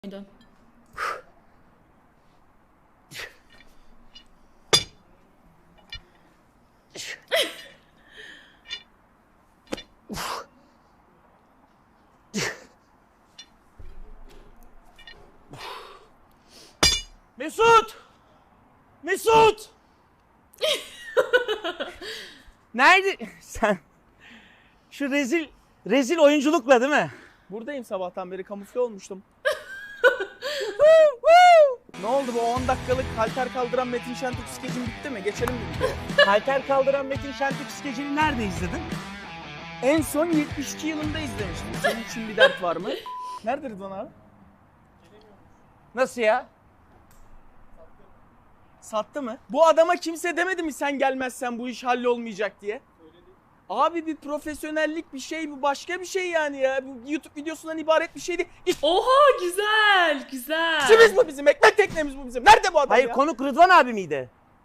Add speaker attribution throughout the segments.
Speaker 1: muydu?
Speaker 2: Mesut! Mesut! Nerede? Sen şu rezil oyunculukla değil mi?
Speaker 3: Buradayım, sabahtan beri kamufle olmuştum. Ne oldu, bu 10 dakikalık halter kaldıran Metin Şentürk skecin bitti mi? Geçelim mi videoya?
Speaker 2: Halter kaldıran Metin Şentürk skecini nerede izledin?
Speaker 3: En son 72 yılında izlemiştim. Senin için bir dert var mı? Nerede Rıdvan abi?
Speaker 2: Nasıl ya?
Speaker 3: Sattı mı? Bu adama kimse demedi mi sen gelmezsen bu iş hallolmayacak diye? Abi bir profesyonellik bir şey, bu başka bir şey yani ya. Bu YouTube videosundan ibaret bir şey değil.
Speaker 1: Oha, güzel güzel.
Speaker 3: İşimiz bu bizim, ekmek teknemiz bu bizim. Nerede bu adam
Speaker 2: Hayır,
Speaker 3: ya?
Speaker 2: konuk Rıdvan abi miydi?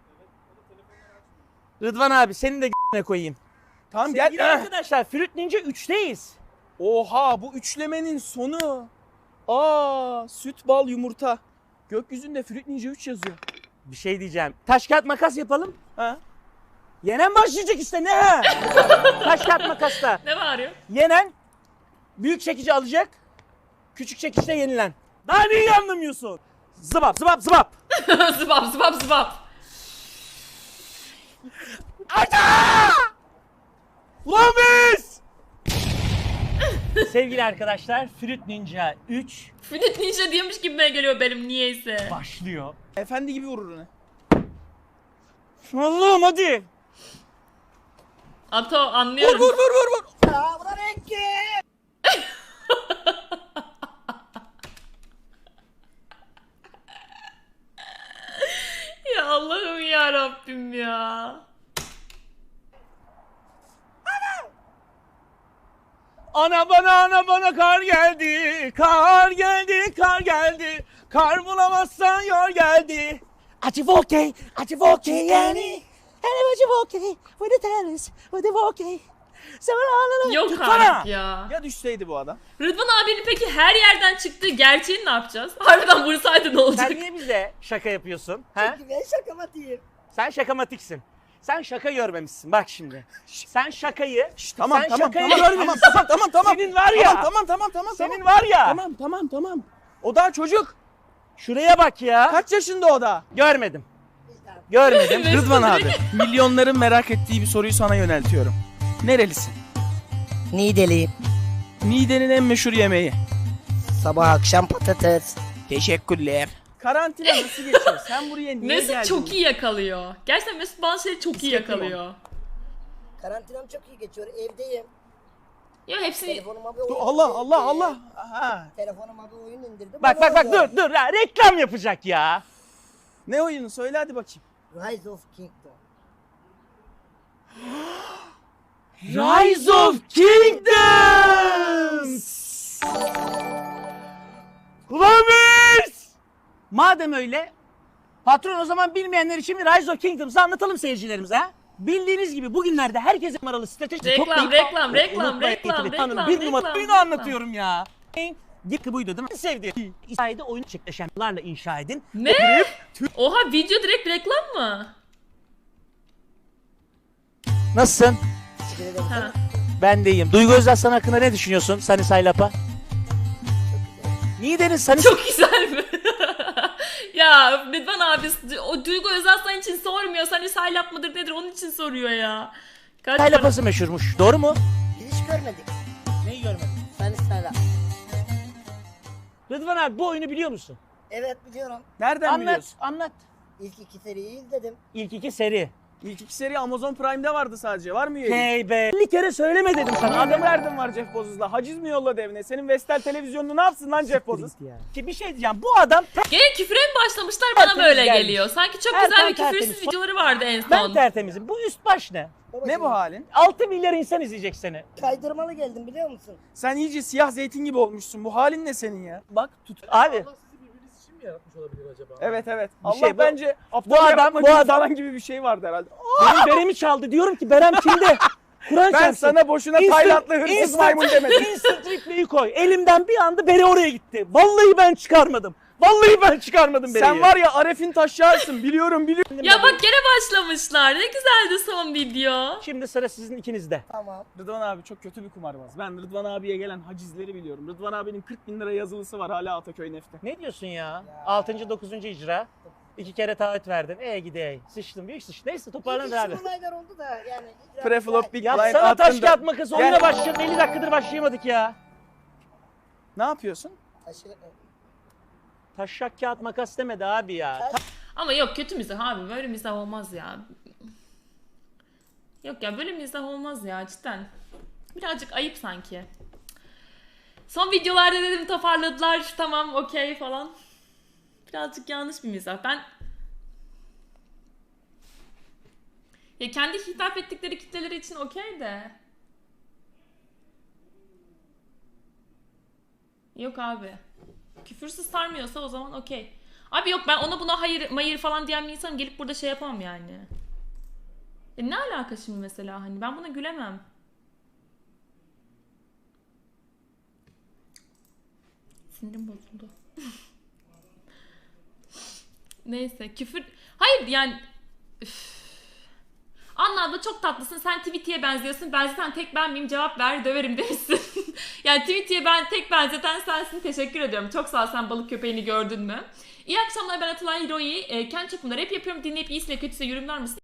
Speaker 2: Rıdvan abi, senin de g***ne koyayım.
Speaker 3: Tamam
Speaker 2: Sevgili
Speaker 3: gel.
Speaker 2: arkadaşlar, Fruit Ninja 3'teyiz.
Speaker 3: Oha, bu üçlemenin sonu. Aa, süt, bal, yumurta. Gökyüzünde Fruit Ninja 3 yazıyor.
Speaker 2: Bir şey diyeceğim. Taş kağıt makas yapalım.
Speaker 3: Ha?
Speaker 2: Yenen başlayacak işte, ne ha? Taş kağıt makasta.
Speaker 1: Ne bağırıyor?
Speaker 2: Yenen büyük çekici alacak. Küçük çekiçte yenilen. Daha neyi anlamıyorsun? Zıbap zıbap zıbap.
Speaker 1: Zıbap zıbap zıbap.
Speaker 2: Ulan biz! Sevgili arkadaşlar, Fruit Ninja 3
Speaker 1: Fruit Ninja diyormuş gibime geliyor benim niyeyse.
Speaker 2: başlıyor.
Speaker 3: Efendi gibi vurur onu.
Speaker 2: Allah'ım hadi.
Speaker 1: Ato, anlıyorum.
Speaker 3: Vur.
Speaker 1: Ya Allah'ım ya Rabbim ya.
Speaker 2: Ana bana kar geldi. Kar geldi, kar geldi. Kar bulamazsan yar geldi. Acı volkey yani. Hele acı volkey. With the tennis, with the volkey.
Speaker 1: Yok
Speaker 2: Tutsana.
Speaker 1: artık ya.
Speaker 3: Ya düşseydi bu adam?
Speaker 1: Rıdvan abinin peki her yerden çıktığı gerçeğini ne yapacağız? Harbiden vursaydı ne olacak?
Speaker 2: Sen niye bize şaka yapıyorsun? Ha?
Speaker 4: Ben şakamatiyim.
Speaker 2: Sen şakamatiksin. Sen şaka görmemişsin bak şimdi. Sen şakayı,
Speaker 3: Tamam
Speaker 2: sen
Speaker 3: tamam
Speaker 2: şakayı
Speaker 3: tamam,
Speaker 2: görmemişsin.
Speaker 3: tamam.
Speaker 2: Senin var ya.
Speaker 3: Tamam.
Speaker 2: Senin var ya.
Speaker 3: Tamam. O daha çocuk.
Speaker 2: Şuraya bak ya.
Speaker 3: Kaç yaşında o da?
Speaker 2: Görmedim. Görmedim.
Speaker 1: Mesut
Speaker 3: Rıdvan abi.
Speaker 1: direkt-
Speaker 3: Milyonların merak ettiği bir soruyu sana yöneltiyorum. Nerelisin?
Speaker 4: Niğdeliyim.
Speaker 3: Niğde'nin en meşhur yemeği.
Speaker 4: Sabah akşam patates.
Speaker 3: Teşekkürler. Karantina nasıl geçiyor? Sen buraya niye
Speaker 1: Mesut
Speaker 3: geldin?
Speaker 1: çok iyi yakalıyor. Gerçekten Mesut bazı şeyleri çok iyi
Speaker 3: Hissettim
Speaker 1: yakalıyor.
Speaker 4: Karantinam çok iyi geçiyor. Evdeyim.
Speaker 1: Ya hepsini...
Speaker 4: Telefonuma bir oyun
Speaker 3: Allah. Aha.
Speaker 4: Telefonuma bir oyun indirdim.
Speaker 2: Bak
Speaker 4: Onu oynuyorum.
Speaker 2: dur ya, reklam yapacak ya.
Speaker 3: Ne oyunu? Söyle hadi bakayım.
Speaker 4: Rise of Kingdom.
Speaker 2: Rise of Kingdoms. Ulan biz! Madem öyle, patron o zaman bilmeyenler için bir Rise of Kingdoms'ı anlatalım seyircilerimize ha. Bildiğiniz gibi bugünlerde herkese numaralı strateji
Speaker 1: Reklam,
Speaker 2: toplayıp-
Speaker 1: reklam,
Speaker 2: Tanın, bir numara oyunu anlatıyorum ya. Gitti buydu değil mi? Sevdiğim. İsa'yı oyun çiftleşenlerle inşa edin.
Speaker 1: Ne? Oha, video direkt reklam mı?
Speaker 2: Nasılsın?
Speaker 4: Teşekkür ederim.
Speaker 1: Ha.
Speaker 2: Ben de iyiyim. Duygu Özaslan hakkında ne düşünüyorsun Sunny Saylap'a? Niğde'nin Sunny
Speaker 1: Çok güzel mi? Ya Rıdvan abi o Duygu Özaslan için sormuyor. Hani saylap mıdır nedir onun için soruyor ya. Kaç para-
Speaker 2: Saylap'ası meşhurmuş. Doğru mu?
Speaker 4: Hiç görmedik.
Speaker 2: Neyi görmedin?
Speaker 4: Sen istala.
Speaker 2: Rıdvan abi, bu oyunu biliyor musun?
Speaker 4: Evet biliyorum.
Speaker 3: Nereden
Speaker 2: Anlat,
Speaker 3: biliyorsun?
Speaker 2: anlat.
Speaker 4: İlk iki seriyi izledim.
Speaker 2: İlk iki seri.
Speaker 3: İlk iki seri Amazon Prime'de vardı sadece. Var mı üyelik?
Speaker 2: Hey be. 50 kere söyleme dedim sana.
Speaker 3: Adam derdin var Jeff Bezos'la. Haciz mi yolladı evine? Senin Vestel televizyonunu ne yapsın lan Jeff Bezos?
Speaker 2: Ki bir şey diyeceğim. Bu adam
Speaker 1: Gene küfre mi başlamışlar bana
Speaker 2: Tertemiz
Speaker 1: böyle
Speaker 2: gelmiş.
Speaker 1: geliyor. Sanki çok
Speaker 2: Erken
Speaker 1: güzel bir
Speaker 2: tertemiz.
Speaker 1: küfürsüz videoları vardı en
Speaker 2: ben
Speaker 1: son.
Speaker 2: tertemizim. Bu üst baş ne?
Speaker 3: Ne bu halin?
Speaker 2: 6 milyar insan izleyecek seni.
Speaker 4: Kaydırmalı geldim biliyor musun?
Speaker 3: Sen iyice siyah zeytin gibi olmuşsun. Bu halin ne senin ya? Bak tut.
Speaker 2: Abi
Speaker 3: Evet.
Speaker 2: Bir
Speaker 3: Allah
Speaker 2: şey, bu-
Speaker 3: bence
Speaker 2: bu adam-
Speaker 3: yapma
Speaker 2: bu
Speaker 3: gibi
Speaker 2: adam-
Speaker 3: falan gibi bir şey vardı herhalde.
Speaker 2: benim beremi çaldı. Diyorum ki Berem kimde? Kur'an
Speaker 3: Ben
Speaker 2: çarpsın.
Speaker 3: sana boşuna Taylandlı hırsız maymun demedim.
Speaker 2: Instant replay'i koy. Elimden bir anda bere oraya gitti. Vallahi ben çıkarmadım. Vallahi ben çıkarmadım bereyi.
Speaker 3: Sen var ya Aref'in taşyarsın. Biliyorum.
Speaker 1: Ya bak gene başlamışlar. Ne güzeldi son video.
Speaker 2: Şimdi sıra sizin ikinizde.
Speaker 4: Tamam.
Speaker 3: Rıdvan abi çok kötü bir kumarbaz. Ben Rıdvan abiye gelen hacizleri biliyorum. Rıdvan abinin 40 bin lira yazılısı var hala Ataköy Neft'te.
Speaker 2: Ne diyorsun ya? 6. 9. icra. 2 kere taahhüt verdin. Gidey. Sıçtım. Büyük sıç. Neyse toparlanır abi.
Speaker 4: İlginç olaylar oldu da yani.
Speaker 3: Preflop Big Blind
Speaker 2: Yapsana taş
Speaker 3: attın da-
Speaker 2: kağıt makas. Oyuna
Speaker 3: Gel.
Speaker 2: başlayalım. 50 dakikadır başlayamadık ya.
Speaker 3: Ne yapıyorsun?
Speaker 2: Taşak kağıt makas demedi abi ya.
Speaker 1: Ama yok kötü mizah abi. Böyle mizah olmaz ya. Yok ya böyle mizah olmaz ya cidden. Birazcık ayıp sanki. Son videolarda dedim toparladılar. Tamam okey falan. Birazcık yanlış bir mizah. Ya kendi hitap ettikleri kitleleri için okey de. Yok abi. Küfürsüz sarmıyorsa o zaman okey. Abi yok ben ona buna hayır mayır falan diyen bir insanım gelip burada şey yapamam yani. Ne alaka şimdi mesela hani ben buna gülemem. Sinirim bozuldu. Neyse küfür... Hayır yani... Üf. Anla abla çok tatlısın. Sen Tweety'ye benziyorsun. Ben zaten tek ben miyim? Cevap ver döverim demişsin. Yani Tweety'ye ben tek benzeten sensin. Teşekkür ediyorum. Çok sağ ol sen balık köpeğini gördün mü? İyi akşamlar ben Atalay Hiroi. Kendi çapımda rap yapıyorum. Dinleyip iyisiyle kötüsüyle yorumlar mısın?